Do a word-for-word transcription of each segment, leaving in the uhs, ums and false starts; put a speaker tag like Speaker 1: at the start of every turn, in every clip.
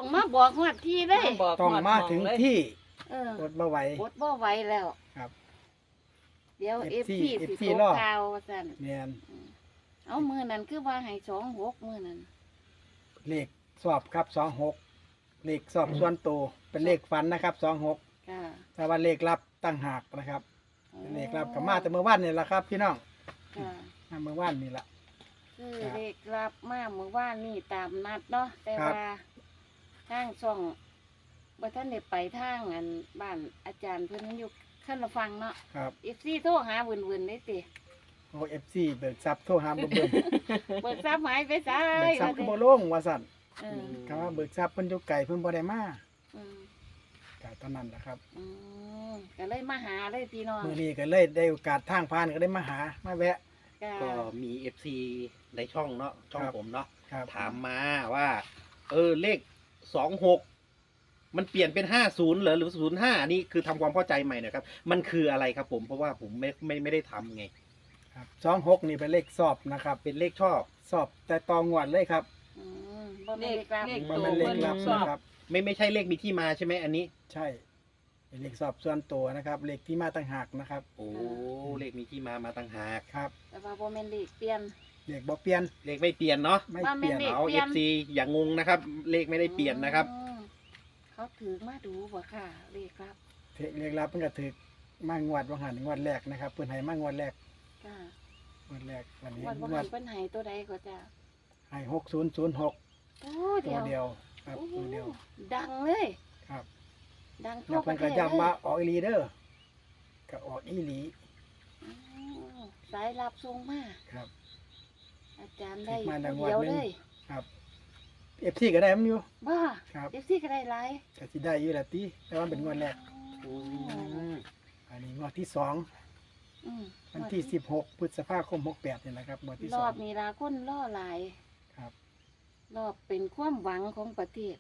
Speaker 1: มาบอกฮอดที่เลย
Speaker 2: บอก
Speaker 3: ต้องมาถึงที่
Speaker 1: เออ
Speaker 3: อดบ่ไหว
Speaker 1: อดบ่ไหวแล้ว
Speaker 3: ครับ
Speaker 1: เดี๋ยว
Speaker 3: เอ
Speaker 1: เอ
Speaker 3: ฟ
Speaker 1: ฟ
Speaker 3: ซี
Speaker 1: ซี
Speaker 3: เอฟ
Speaker 1: สิ
Speaker 3: ซี
Speaker 1: โต
Speaker 3: รอ
Speaker 1: ข่าวว่าซั่น
Speaker 3: แม่น
Speaker 1: เอามื้อนั้นคือว่าให้สองหกมื้อนั้น
Speaker 3: เลขสอบครับสองหกเลขสอบส่วนตัวเป็นเลขฝันนะครับสองหก
Speaker 1: ค่ะ
Speaker 3: แต่ว่าเลขลับตั้งหากนะครับ
Speaker 1: โอ้
Speaker 3: เลขลับกับมาแต่เมื่อวานนี่แหละครับ พี่น้อง
Speaker 1: ค่ะ
Speaker 3: มาเมื่อวานนี่แหละ
Speaker 1: คือ
Speaker 3: ครับ
Speaker 1: เลขรับมาเมื่อวานนี่ตามนัดเนาะแต่
Speaker 3: ครับ
Speaker 1: ว่าทางช่องบ่ทันได้ไปทางอันบ้านอาจารย์เพิ่นอยู่ขั้นละฟังเนาะ
Speaker 3: ครับ
Speaker 1: เอฟซีโทรหาวุ่นๆได้ติ
Speaker 3: โอเอฟซีเบิกทรัพย์โทรหาบ่เบิ่ง
Speaker 1: เบิกทรัพย์หายไปซ้า
Speaker 3: เบิ
Speaker 1: ย
Speaker 3: กทรัพย์ก็บ่ลงว่าสั่น
Speaker 1: เออ
Speaker 3: คำว่าเบิกทรัพย์เพิ่นอยู่ไกลเพิ่นบ่ได้มา
Speaker 1: อืม
Speaker 3: ก็เท่านั้นแหละครับ
Speaker 1: อืมก็เลยมาหาเลยพี่น้อง
Speaker 3: มื้อนี้ก็เลยได้โอกาสทางผ่านก็ได้มาหามาแวะ
Speaker 1: ก็
Speaker 2: ก็มี เอฟ ซี ในช่องเนาะช่อง
Speaker 3: ครับ
Speaker 2: ผมเนาะ
Speaker 3: ครับ
Speaker 2: ถามมาว่า เออเลขสองหกมันเปลี่ยนเป็นห้าศูนย์เหรอหรือศูนย์ห้านี่คือทำความเข้าใจใหม่หน่อยครับ มันคืออะไรครับผมเพราะว่าผมไม่ไม่ไม่ได้ทำไง
Speaker 3: ครับสองหกนี่เป็นเลขสอบนะครับ
Speaker 2: เป็นเลขชอบ
Speaker 3: สอบแต่ตองวดเลยครับ
Speaker 1: อืมบ่แม่นเลขรับ
Speaker 4: เลข
Speaker 3: มัน
Speaker 4: โต
Speaker 3: เป็นเลขลับ
Speaker 4: ชอบ
Speaker 3: นะครับ
Speaker 2: ไม่ไม่ใช่เลขมีที่มาใช่ไหมอันนี้
Speaker 3: ใช่เป็นเลขสอบส่วนตัวนะครับ เลขที่มาต่างหากนะครับ
Speaker 2: โอ้เลขมีที่มามาต่างหาก
Speaker 3: ครับ
Speaker 1: แต่ว่าบ่แม่นเลขเปลี่ยน
Speaker 3: เลขบ่เปลี่ยน
Speaker 2: เลขไม่เปลี่ยนเนาะ
Speaker 3: ไม่
Speaker 1: ว่า
Speaker 3: เปลี่ยน
Speaker 1: แม่นเลข
Speaker 2: เอา
Speaker 1: เปลี่
Speaker 2: เอย
Speaker 1: น
Speaker 2: ฟซีอย่างงงนะครับ เลขไม่ได้เปลี่ยนนะครับ
Speaker 1: อืมเขาถือมาดูบ่ค่ะ เลขรับ
Speaker 3: เลขลับเพิ่นก็ถือมางวดว่าหันงวดแรกนะครับเพิ่นให้มางวดแรก
Speaker 1: ค่ะ
Speaker 3: งวดแรกวันนี้
Speaker 1: วันบ่
Speaker 3: งว
Speaker 1: หั
Speaker 3: ด
Speaker 1: นเพิ่นให้ตัวใดก็จ้ะ
Speaker 3: ให้หกศูนย์ศูนย์หก
Speaker 1: โอ้
Speaker 3: ตั
Speaker 1: เดี
Speaker 3: ว
Speaker 1: ยว
Speaker 3: เดียวครับ
Speaker 1: โอ้
Speaker 3: ตัวเดียว
Speaker 1: ดังเลย
Speaker 3: ครับ
Speaker 1: ดังทั่
Speaker 3: แล้ว ว
Speaker 1: ป
Speaker 3: เพิ่
Speaker 1: ระ
Speaker 3: น
Speaker 1: เท
Speaker 3: ก็
Speaker 1: ศ
Speaker 3: ย้ำว่า
Speaker 1: เลย
Speaker 3: ออกอีหลีเด้อก็ออกอีหลี
Speaker 1: อืมสายรับส่งมา
Speaker 3: ครับ
Speaker 1: อาจารย์ได้
Speaker 3: มาดัง
Speaker 1: ผู้เดียว
Speaker 3: วัดหนึ่
Speaker 1: เล
Speaker 3: ง
Speaker 1: ย
Speaker 3: ครับเอฟซีก็ได้มันอยู่
Speaker 1: บ้า
Speaker 3: ครับ
Speaker 1: เอฟซีก็ได้หลาย
Speaker 3: ก็สิได้อยู่ละติแต่ว่าเป็นงวดแรก
Speaker 1: อืม
Speaker 3: อันนี้งวดที่สอง
Speaker 1: อืม
Speaker 3: วันที่สิบหกพฤษภาคมหกแปดนี่แหละครับงวดที่
Speaker 1: ร
Speaker 3: สอ
Speaker 1: อง บนี้ลาคนล่อหลาย
Speaker 3: ครับ
Speaker 1: รอบเป็นความหวังของประเทศ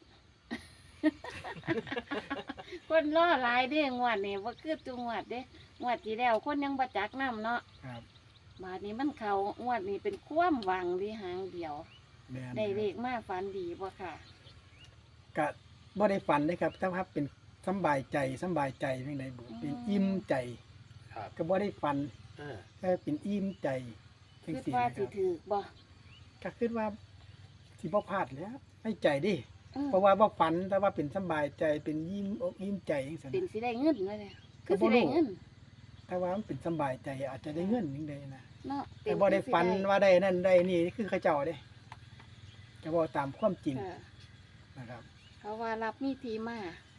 Speaker 1: คนล่อหลายเด้งวดนี่ว่าคือจังหวัดเด้งวดที่แล้วคนยังประจักน้ำเนาะ
Speaker 3: ครับ
Speaker 1: บาดนี้มันเขางวดนี้เป็นความหวังที่หางเดียว
Speaker 3: แม่น
Speaker 1: ได้เล
Speaker 3: ค
Speaker 1: ขมาฝันดีบ่ค่ะ
Speaker 3: รับก็บ่ได้ฝันเลยครับแต่ว่าเป็นสำบายใจสำบายใจเพียงใดบุเป็นอิ่มใจ
Speaker 2: ครับ
Speaker 3: ก็บ่ได้ฝัน
Speaker 2: อ่า
Speaker 3: แค่เป็นอิ่มใจจัง
Speaker 1: คิด
Speaker 3: ซี่
Speaker 1: ว่า
Speaker 3: นะค
Speaker 1: สิ
Speaker 3: รับ
Speaker 1: ถือบ่
Speaker 3: ก็คิดว่าสิบ่พลาดแหล้วให้ใจดิ
Speaker 1: อืม
Speaker 3: เพราะว่าบ่ฝันแต่ว่าเป็นสำบายใจเป็นยิ้มอกยิ้มใจจังซั่น
Speaker 1: เป็น
Speaker 3: น่ะ
Speaker 1: สิได้เงินเลยเนี่ยคือ
Speaker 3: ก็
Speaker 1: สิ
Speaker 3: บ่รู้
Speaker 1: ได้เงิน
Speaker 3: แต่ว่ามันเป็นสำบายใจอาจจะได้เงินจังไดนะ
Speaker 1: เนาะ
Speaker 3: แต่บ่ได้ฝันว่าได้นั่นได้นี่คือเขาเจ้าเด้จะบอกตามความจริง
Speaker 1: ค่ะ
Speaker 3: นะครับ
Speaker 1: เขาว่ารับมีทีมา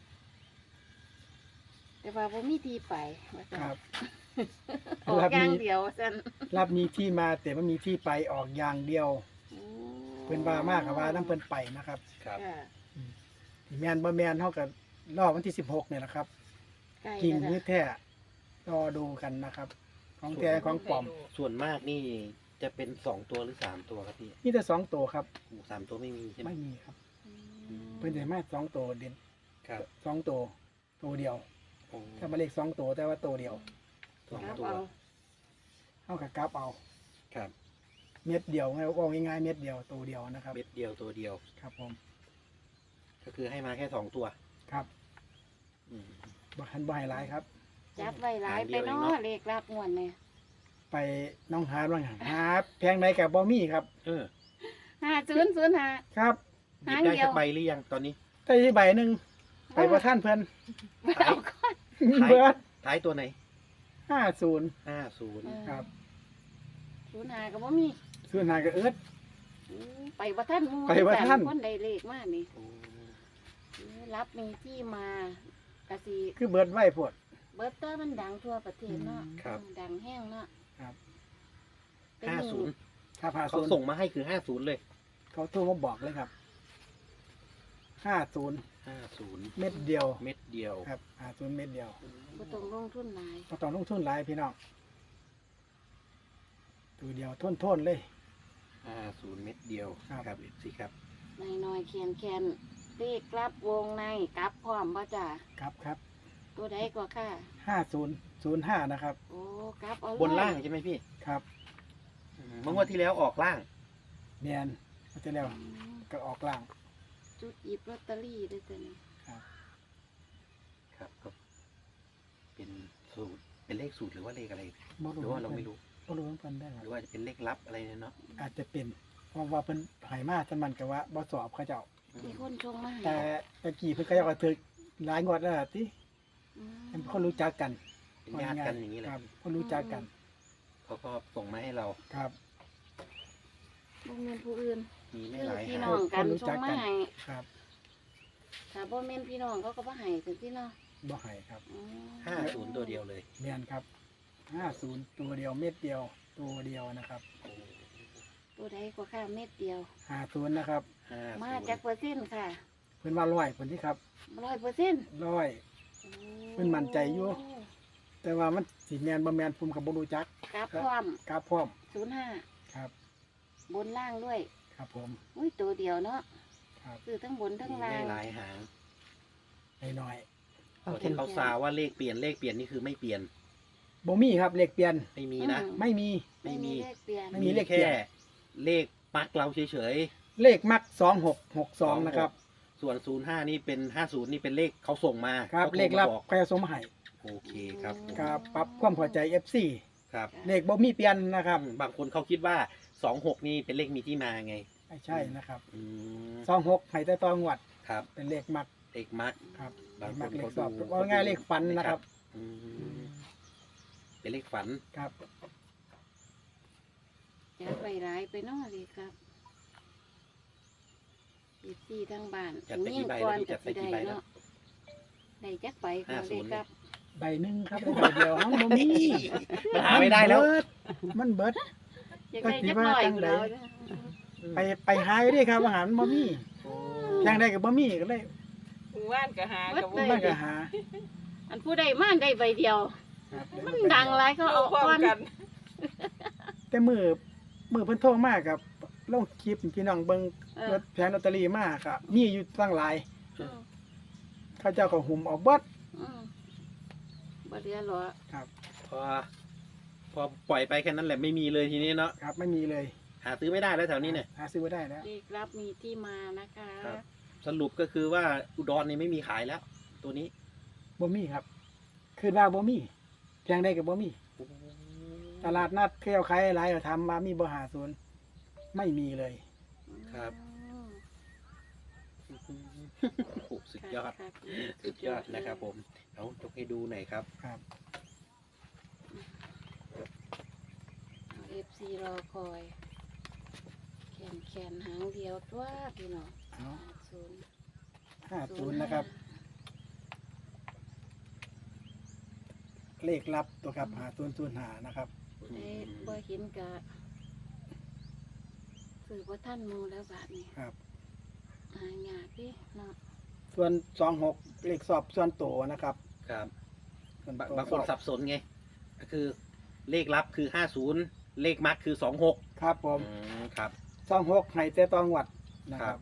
Speaker 1: แต่ว่าบ่มีทีไปว่าซั่น
Speaker 3: ครับ
Speaker 1: ออก
Speaker 3: รับ
Speaker 1: อย่าง
Speaker 3: มี
Speaker 1: เดียวซั่น
Speaker 3: รับมีที่มาแต่ว่ามีที่ไปออกอย่างเดียว
Speaker 1: โอ้
Speaker 3: เพิ่นว่ามากกับว่าน้ำเพิ่นไปนะครับ
Speaker 2: ครับ
Speaker 1: ค่ะ
Speaker 3: ที่แม่นบ่แม่นเฮาก็รอบวันที่สิบหกเนี่ยแหละครับ
Speaker 1: ใกล้
Speaker 3: จริง
Speaker 1: แล้ว
Speaker 3: หรือ
Speaker 1: นะ
Speaker 3: แท้รอดูกันนะครับ ของแท้ของปลอม
Speaker 2: ส่วนมากนี่จะเป็นสองตัวหรือสามตัวครับพี่
Speaker 3: มีแต่สองตัวครับ
Speaker 2: โอ้สามตัวไม่มีใช่ไหม
Speaker 3: ไม่มีครับ
Speaker 1: อืม
Speaker 3: เพิ่นจะมาสองตัวเด่น
Speaker 2: ครับ
Speaker 3: สองตัวตัวเดียว
Speaker 2: โอ้
Speaker 3: ถ้ามาเลขสองตัวแต่ว่าตัวเดียว
Speaker 2: สอง
Speaker 1: ครับ
Speaker 2: ตัว
Speaker 1: เอา
Speaker 3: เฮากับกลับเอา
Speaker 2: ครับ
Speaker 3: เม็ดเดียวไงว่าง่ายๆเม็ดเดียวตัวเดียวนะครับ
Speaker 2: เม็ดเดียวตัวเดียว
Speaker 3: ครับผม
Speaker 2: ก็คือให้มาแค่สองตัว
Speaker 3: ครับ
Speaker 2: อืม
Speaker 3: บ่หันบ่ให้หลายครับ
Speaker 1: จับไว้หลาย
Speaker 2: หางเดี
Speaker 1: ไป
Speaker 2: ยวเอง
Speaker 1: เนาะ
Speaker 2: เนาะ
Speaker 1: เลขรับงวดเนี่ย
Speaker 3: ไปน้องหาบ้างหาแพงไหนกับบ่มีครับ
Speaker 2: เออ
Speaker 1: ห้าศูนย์ศูนย์ห้า
Speaker 3: ครับ
Speaker 2: หยิบ
Speaker 1: หาง
Speaker 2: ได้
Speaker 1: เดียว
Speaker 2: สักใบหรือยังตอนนี้
Speaker 3: ได้ใบหนึ่งไปว่าท่านเพิ่น
Speaker 1: เอาก่อน
Speaker 2: ท้าย
Speaker 3: เบิด
Speaker 2: ท้ายตัวไหน
Speaker 3: ห้าศูนย์
Speaker 2: ห้าศูนย์
Speaker 3: ครับ
Speaker 1: ศูนย์ห้าก็บ่มี
Speaker 3: ศูนย์หากับเอิร์ด
Speaker 1: อืมไปบ่ทันหมู่
Speaker 3: ไปบ่ทัน
Speaker 1: คนใดเลขมานี่
Speaker 2: โอ้
Speaker 1: รับมีที่มากะสิ
Speaker 3: คือเบิร์ดไว้พวด
Speaker 1: เบิดเตอร์มันดังทั่วประเทศเนาะ
Speaker 2: ครับ
Speaker 1: ดังแห้งเนาะ
Speaker 3: ครับ
Speaker 1: เป็น
Speaker 2: ห้า
Speaker 1: ห
Speaker 2: ศู
Speaker 1: นึ่ง
Speaker 2: นย์
Speaker 3: ครับห้า
Speaker 2: เขา
Speaker 3: ศูนย์
Speaker 2: ส่งมาให้คือห้าศูนย์เลย
Speaker 3: เขาโทรมาบอกเลยครับห้าศูนย์
Speaker 2: ห้าศูนย์
Speaker 3: เม็ดเดียว
Speaker 2: เม็ดเดียว
Speaker 3: ครับห้าศูนย์เม็ดเดียว
Speaker 1: บ่ต้องลงทุนหลาย
Speaker 3: ก็ต้องลงทุนหลายพี่น้องตัวเดียวทนทนๆเลย
Speaker 2: ห้าศูนย์เม็ดเดียว
Speaker 3: ครับ
Speaker 2: ครับเอฟซีครับ
Speaker 1: น้อยๆเขียนแคนเลขรับวงในกลับพร้อมบ่จ้ะ
Speaker 3: ครับครับ
Speaker 1: ตัวใดก็ค่ะ
Speaker 3: ห้าศูนย์ศูนย์ห้านะครับ
Speaker 1: โอ้กลับเอาเลย
Speaker 2: บนล่างใช่ไหมพี่
Speaker 3: ครับ
Speaker 2: อืมเมื่อวันที่แล้วออกล่าง
Speaker 3: เนียนมาจะแล้ว
Speaker 1: อืม
Speaker 3: ก็ออกล่าง
Speaker 1: จุดหยิบลอตเตอรี่ด้วยตัวนี้
Speaker 3: ครับ
Speaker 2: ครับก็เป็นสูตรเป็นเลขสูตรหรือว่าเลขอะไร
Speaker 3: บ่
Speaker 2: หรือว่าเราไม่รู้
Speaker 3: บ่รู้เหมือนกันได้ค
Speaker 2: ห
Speaker 3: รับ
Speaker 2: รือว่าจะเป็นเลขลับอะไรเนี่ยเนาะ
Speaker 3: อาจจะเป็นเพราะว่าเพิ่นใหายมาสมันก็ว่าบ่สอบเขาเจ้า
Speaker 1: มีคนชงมาให้
Speaker 3: แต่ตะกี้เพิ่นก็เจ้าก็ถึกหลายงวดแล้วล่ะติ
Speaker 1: อืม
Speaker 3: เป็นคนรู้จักกัน
Speaker 2: เป็นญาติกันอย่างนี้แหละ
Speaker 3: ครับคนรู้จักกัน
Speaker 2: เขาก็ส่งมาให้เรา
Speaker 3: ครับ
Speaker 1: บ่แม่นผู้อื่น
Speaker 2: มีไม่
Speaker 1: คือ
Speaker 2: หลาย
Speaker 1: พี่
Speaker 2: หา
Speaker 1: น้อง
Speaker 2: ง
Speaker 1: กัน
Speaker 3: คนรู้
Speaker 1: ช
Speaker 3: จั
Speaker 1: ง
Speaker 3: ก
Speaker 1: มา
Speaker 3: กัน
Speaker 1: ให้
Speaker 3: ครับ
Speaker 1: ถ้าบ่แม่นพี่น้องเขาก็บ่ให้จังซี่เนาะ
Speaker 3: บ่ให้ครับ
Speaker 1: อืม
Speaker 2: ห้าศูนย์ตัวเดียวเลย
Speaker 3: แม่นครับห้าศูนย์ตัวเดียวเม็ดเดียวตัวเดียวนะครับ
Speaker 1: ตัวใดก็ค่าเม็ดเดียว
Speaker 3: ห้าศูนย์นะครับ
Speaker 2: ห้า
Speaker 1: มา
Speaker 2: ศูนย์
Speaker 1: จากเปอร์เซ็นต์ค่ะ
Speaker 3: เพิ่นว่าร้อยเพิ่นที่ครับ
Speaker 1: ร้อยเปอร์เซ็นต์
Speaker 3: ร้อย เพิ่นมั่นใจอยู่ แต่ว่ามันสิแม่นบ่แม่นผมก็บ่รู้จัก
Speaker 1: กราฟพร้อม
Speaker 3: กราบพร้อม
Speaker 1: ศูนย์ห้า
Speaker 3: ครับ
Speaker 1: บนล่างด้วย
Speaker 3: ครับผม
Speaker 1: อุ้ยตัวเดียวเนาะ
Speaker 3: ครับ
Speaker 1: คือทั้งบนทั้ง
Speaker 2: มี
Speaker 1: ล่า
Speaker 2: ไม่
Speaker 1: ง
Speaker 2: หลายหาง
Speaker 3: น้อย
Speaker 2: ตัวที่เขาซาว่าเลขเปลี่ยนเลขเปลี่ยนนี่คือไม่เปลี่ยน
Speaker 3: ๆบ่มีครับเลขเปลี่ยน
Speaker 2: ไม่มีนะ
Speaker 3: ไม่มี
Speaker 2: ไม่มี
Speaker 1: เลขเปลี่ยน
Speaker 3: ไม่มีเลขเปลี่
Speaker 2: แค่
Speaker 3: ยน
Speaker 2: เลขปักเราเฉย
Speaker 3: เลขมักสองหกหกสองนะครับ
Speaker 2: ๆส่วนศูนย์ห้านี่เป็นห้าศูนย์นี่เป็นเลขเขาส่งมา
Speaker 3: ครับ
Speaker 2: ขาโท
Speaker 3: เลขลับ
Speaker 2: มาบอก
Speaker 3: ใครสมให้
Speaker 2: โอเคครับผม
Speaker 3: ครับปรับความเข้าใจ เอฟ ซี
Speaker 2: ครับ
Speaker 3: เลขบ่มีเปลี่ยนนะครับ
Speaker 2: บางคนเขาคิดว่าสองหกนี่เป็นเลขมีที่มาไง
Speaker 3: ไม่ใช่นะครับ
Speaker 2: อืม
Speaker 3: สองหกให้แต่ตองวด
Speaker 2: ครับ
Speaker 3: เป็นเลขมัก
Speaker 2: เลขมัก
Speaker 3: ครับ
Speaker 2: บาง
Speaker 3: เลขมัก
Speaker 2: คน
Speaker 3: เลข
Speaker 2: เขา
Speaker 3: สอบ
Speaker 2: ดู
Speaker 3: ว่าง่ายเลขฝันนะครับ
Speaker 2: อืมเป็นเลขฝัน
Speaker 3: ครับ
Speaker 1: จะไปร้ายไปเน้องเลยครับอีซี่ทั้งบ้าน
Speaker 2: จัดไปกี่ใบแล้วพี่จัดไปกี่ใบแล้ว
Speaker 1: เนาะได้จักใบก็
Speaker 2: ห้าศู
Speaker 1: ได้
Speaker 2: นย์
Speaker 1: ครับ
Speaker 3: ใบหนึ่งครับได้ใบเดียวทั้งบ่มี
Speaker 2: มันหาไม่ได้แล้ว
Speaker 3: มันเบิดมันเบิด
Speaker 1: อยากได้จักหน่อย
Speaker 3: จังใด
Speaker 1: แล้วนะ
Speaker 3: ไปไปหาอยู่เดิครับอาหารบ่มีอย่างใดก็บ่มีก็เลย
Speaker 4: หมู่บ้านก็หากับ
Speaker 3: มันก็หา
Speaker 1: อันผู้ใดมาได้ใบเดียว
Speaker 3: ครับ
Speaker 1: มันดังหลายเขา
Speaker 4: เอา
Speaker 1: เอา
Speaker 4: พร้อม
Speaker 1: ก้อน
Speaker 4: กัน
Speaker 3: แต่มือมือเพิ่นโทรมาครับลงคลิปพี่น้องเบิ่ง
Speaker 1: เอ
Speaker 3: ร
Speaker 1: อ
Speaker 3: ถแผงลอตเตอรี่มาครับมีอยู่ตั้งหลาย
Speaker 1: อืม
Speaker 3: เขาเจ้าก็หุ่มเอาเบิด
Speaker 1: อืมบ่เหลือหรอ
Speaker 3: ครับ
Speaker 2: พอ พอปล่อยไปแค่นั้นแหละไม่มีเลยทีนี้เนาะ
Speaker 3: ครับไม่มีเลย
Speaker 2: หาซื้อไม่ได้แล้วแถวนี้เนี่ย
Speaker 3: หาซื้อบ่ได้แล้ว
Speaker 1: เลขรับมีที่มานะคะ
Speaker 2: ครับ สรุปก็คือว่าอุดรนี่ไม่มีขายแล้ว ตัวนี้
Speaker 3: บ่มีครับคือว่าบ่มีแพงได้ก็บ่มี ตลาดนัดเที่ยวขายหลายก็ทำมามีบ่หาศูนย์ไม่มีเลย
Speaker 2: ครับ
Speaker 1: อืม
Speaker 2: โอ้โหสุดยอด
Speaker 1: ครับ
Speaker 2: สุดยอดนะครับผม เอายกให้ดูหน่อยครับ
Speaker 3: ครับ
Speaker 1: เอฟซีรอคอยแขนแขนหางเดียวตัวพี่น้อง
Speaker 3: เอา
Speaker 1: ศูนย์
Speaker 3: ห้าศูนย์นะครับ เลขลับตัวครับหาศูนย์ศูนย์หานะครับ
Speaker 1: ผู้ใดบ่เห็นกะสื่อว่าท่านหมูแล้วบาทนี้
Speaker 3: ครับ
Speaker 1: หายากดิเนาะ
Speaker 3: ส่วนสองหกเลขสอบส่วนโตนะครับ
Speaker 2: ครับ
Speaker 3: ส่วน
Speaker 2: บาง
Speaker 3: โต
Speaker 2: บางคนสับสนไง ก็คือเลขลับคือห้าศูนย์เลขมักคือสองหก
Speaker 3: ครับผม
Speaker 2: ครับ
Speaker 3: สองหกให้แต่ตองวัดนะค
Speaker 2: ครั
Speaker 3: รับบ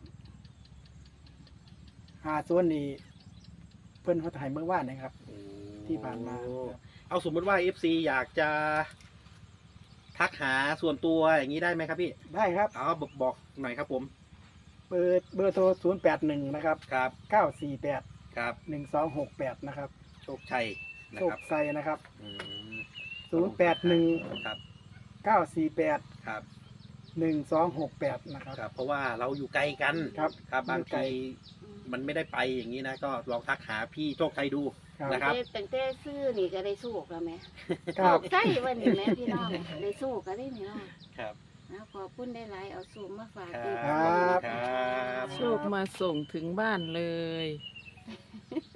Speaker 3: หาศูนย์นี่เพิ่นเขาถ่ายเมื่อวานนะครับ ที่ผ่านมาครับ
Speaker 2: เอาสมมติว่า เอฟ ซี อยากจะทักหาส่วนตัวอย่างนี้ได้ไหมครับพี่
Speaker 3: ได้ครับ
Speaker 2: เอาบอกบอกหน่อยครับผม
Speaker 3: เบอร์เบอร์โทรศูนย์แปดหนึ่งนะครับ
Speaker 2: ครับ
Speaker 3: เก้าสี่แปด
Speaker 2: ครับ
Speaker 3: หนึ่งสองหกแปดนะครับ
Speaker 2: โชคชัยนะ
Speaker 3: โช
Speaker 2: ค
Speaker 3: ครับ ไซนะครับ
Speaker 2: อืม
Speaker 3: ศูนย์แปดหนึ่ง
Speaker 2: ครับ
Speaker 3: เก้าสี่แปด
Speaker 2: ครับ
Speaker 3: หนึ่งสองหกแปดนะครับ
Speaker 2: ครับ เพราะว่าเราอยู่ไกลกัน
Speaker 3: ครับ
Speaker 2: ครับบาง
Speaker 3: อยู่ไกล
Speaker 2: ทีมันไม่ได้ไปอย่างนี้นะ ก็ลองทักหาพี่โชคชัยดู
Speaker 3: ครับ
Speaker 2: นะครับ
Speaker 1: แต่ตั้งแต่ซื้อนี่ก็ได้สู้แล้วไหม
Speaker 3: ครับ
Speaker 1: ใช่วันนี้แม่พี่น้องได้สู้ก็ได้นี่เนาะ
Speaker 2: ครับ
Speaker 1: นะขอบคุณได้หลายเอาสูงมาฝาก
Speaker 2: ครั
Speaker 1: อีก
Speaker 3: ครับ
Speaker 2: ครับ
Speaker 4: โชคมาส่งถึงบ้านเลย
Speaker 1: ค